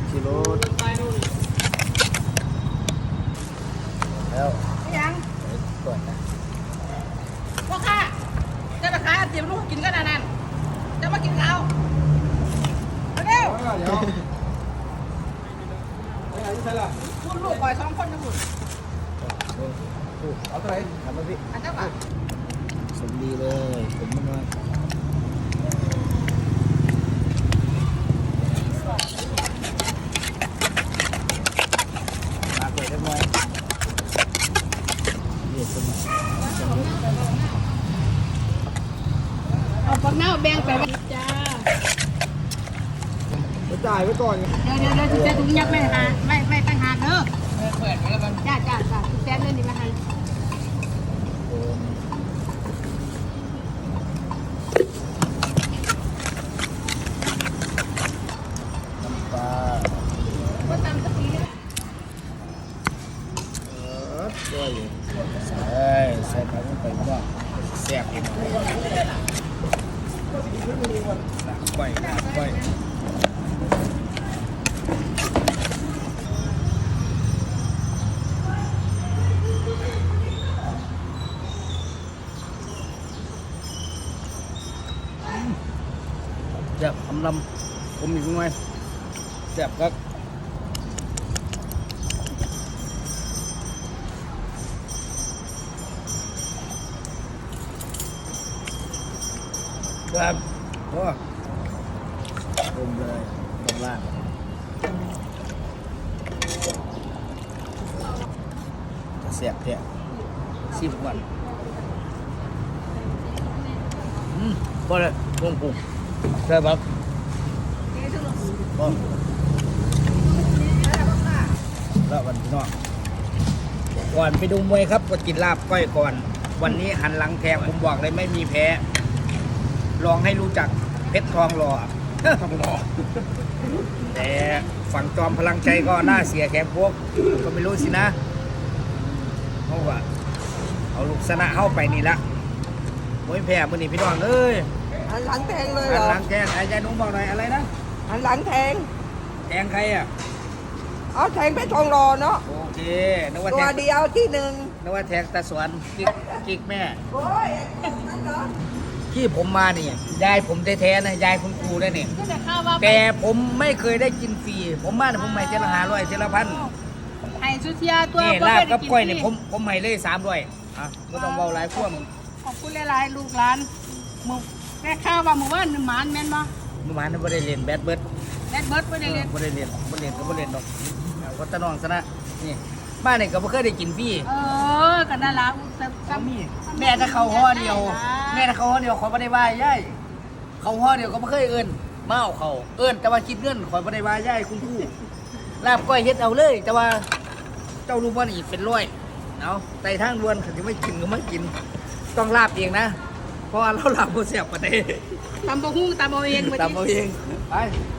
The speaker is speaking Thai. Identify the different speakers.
Speaker 1: ชิโร่แล้ว
Speaker 2: ยัง
Speaker 1: ก่อนนะ
Speaker 2: พ่อข้าจะไปขายเตรียมลูกกินกันนั่นจะมากินข้าวเร็ว
Speaker 3: เดี๋ยวใช่ล่ะ
Speaker 2: คุณลูกก่อย2 คนนะคุณ
Speaker 3: เอาเท่าไหร่
Speaker 1: ทำมาพี่
Speaker 2: อันเจ้าบ่า
Speaker 1: สมดีเลยผมมันว่ามาเกิดได้ไหมเรียกคนมา
Speaker 2: เอาปักหน้าแบ่งไปจ้า
Speaker 3: ไปจ่ายไว้ก่อน
Speaker 2: เดี๋ยวจะถุงยักษ์ไม่หาไม่ตั้งหากเด้อเปิดมาแล้วมันจ้าแซนเล่นดีมาให้
Speaker 1: น้ำปลา
Speaker 2: ก็ตำสักทีนะ
Speaker 1: ด้วยใส่ปลาลงไปว่าแซ่บอีกก้อยก้อยแซ่บลำผมอีกหน่อยแซ่บครับครับโอ้ต้มเลยต้มล่างจะเสียบแท้10 วันบ่เลยปรุงใช่ปะบ่แล้ววันพี่น้องก่อนไปดูมวยครับก็กินลาบก้อยก่อน วันนี้หันหลังแทงผมบอกเลยไม่มีแพ้ลองให้รู้จักเพชรทองหล่อทองหล่อแต่ฝั่งจอมพลังใจก็น่าเสียแขกพวกก็ไม่รู้สินะเพราะว่าเอาลูกชนะเข้าไปนี่ละมวยแพ้มื่อนี้พี่น้องเอ้ย
Speaker 4: หันหลังแทงเลยเห
Speaker 1: หั
Speaker 4: ร
Speaker 1: น
Speaker 4: อ
Speaker 1: หลังแทงไอ้ยายนุ้งบอกหน่อยอะไรนะ
Speaker 4: หันหลังแทง
Speaker 1: แทงใครอ่ะ
Speaker 4: เอาแทงเพชรทองรอเนาะ
Speaker 1: โอเคนึกว่า
Speaker 4: ตั
Speaker 1: แท
Speaker 4: ว
Speaker 1: ง
Speaker 4: เดียวที่หนึ่ง
Speaker 1: นึกว่าแทงตาสวนกิ๊กแม่
Speaker 4: โอ้ยนั่นเหรอ
Speaker 1: ที่ผมมานี่ยายผมแท้ๆนะยายคุณครูได้เนี่ย
Speaker 2: ก็จะข้าวว่า
Speaker 1: แต่ผมไม่เคยได้กินฟรีผมมาเนี่ยผมให้เจละ500เจละพัน
Speaker 2: ไอ้สุเทียตัว
Speaker 1: นี่ลาบกับก้อยเนี่ยผมให้เลย300อ่ะก็ต้องเบาหลายขั้วมึง
Speaker 2: ขอบคุณหลายๆลูกหลานมึงแม่ข้าวว่ามึงว่าหนึ่งหมานแม่นบ่
Speaker 1: เมื่อวานนั้นไม่ได้เรียนแบดเบิร์ด
Speaker 2: แม่เบิร์ดไม่ได้เรียน
Speaker 1: ไม่ได้เรียนไม่เรียนก็ไม่เรียนดอกเอาก็ตะนองซะนะนี่บ้านเนี่ยก็ไม่เคยได้กินฟรี
Speaker 2: กันนั่นละซ้ำ
Speaker 1: แม่ถ้าเขาห่อเดียวแม่ถ้าเขาห่อเดียวขอไม่ได้ว่าย่ายเขาห่อเดียวก็ไม่เคยเอิ้นมาเอาเขาเอิ้นแต่ว่าคิดเงินขอไม่ได้ว่าย่ายคุณครูลาบก้อยเฮ็ดเอาเลย แต่ว่าเจ้ารู้ว่านี่เป็นร้อยเอาไต่ทางดวนถึงไม่กินก็ไม่กินต้องลาบเองนะเพราะว่าเราลาบโมเสียบประเดี๋ยว
Speaker 2: ตำบะฮุ่งตำเอาเอง
Speaker 1: ตามเอาเองไป